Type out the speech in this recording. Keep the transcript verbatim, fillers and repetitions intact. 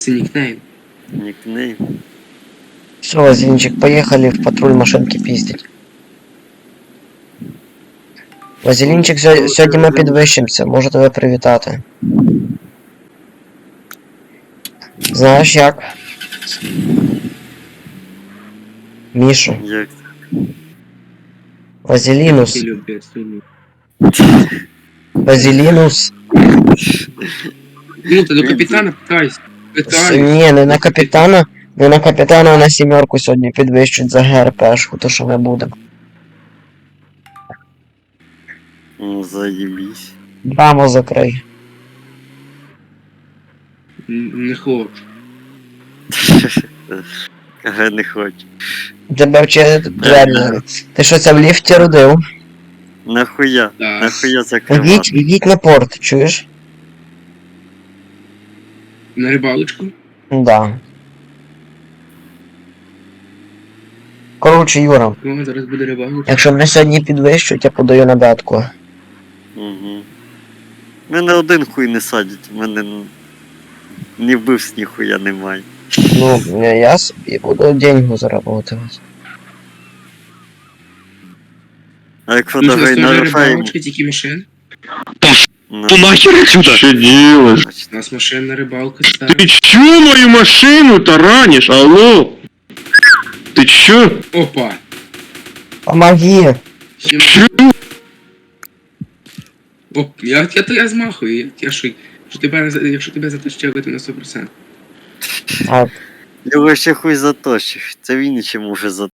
Це нікнейм. Нікнейм. Все, Вазелінчик, поїхали в патруль машинки піздять. Вазелінчик, сьо- сьогодні ми підвищимося, можу тебе привітати. Знаєш як? Мішу. Як? Вазелінус. Ти любиш, сильно. Вазелінус. Ну, ти до капітана питайся. С- Питаю. Ні, не на капітана. Не на капітана, а на сімерку сьогодні підвищують за ГРПшку, то що ми будемо. Ну, заєбісь. Брамо закрий. Н- Не хочу. Ага, не хочу. Тебе вчили двері. Ти що це в ліфті родив? Нахуя? Да. Нахуя Ідіть, закривати? ідіть на порт, чуєш? На рибалочку? Да. Коротше, Юра, О, зараз буде рибалочка. якщо мене сьогодні підвищують, я подаю на бетку. Угу. Мене один хуй не садять, в мене н- ні вбивств ніхуя немає. Ну, я я собі буду деньги заробляти. А як Ну, що, фотографій це нарушаємо, рибалочка, тільки машин? ну, Ты нахер отсюда? Что делаешь? значить, У нас машинна рибалка Ты стара. чё мою машину таранишь? Алло? Ты чё? Опа! Помоги! Всім- Чё? Оп, я, я, я, я змахую, я, я що, що тебе, не за- якщо тебе затащили, то на сто процентів. А, його ще хуй заточив. Це він ще може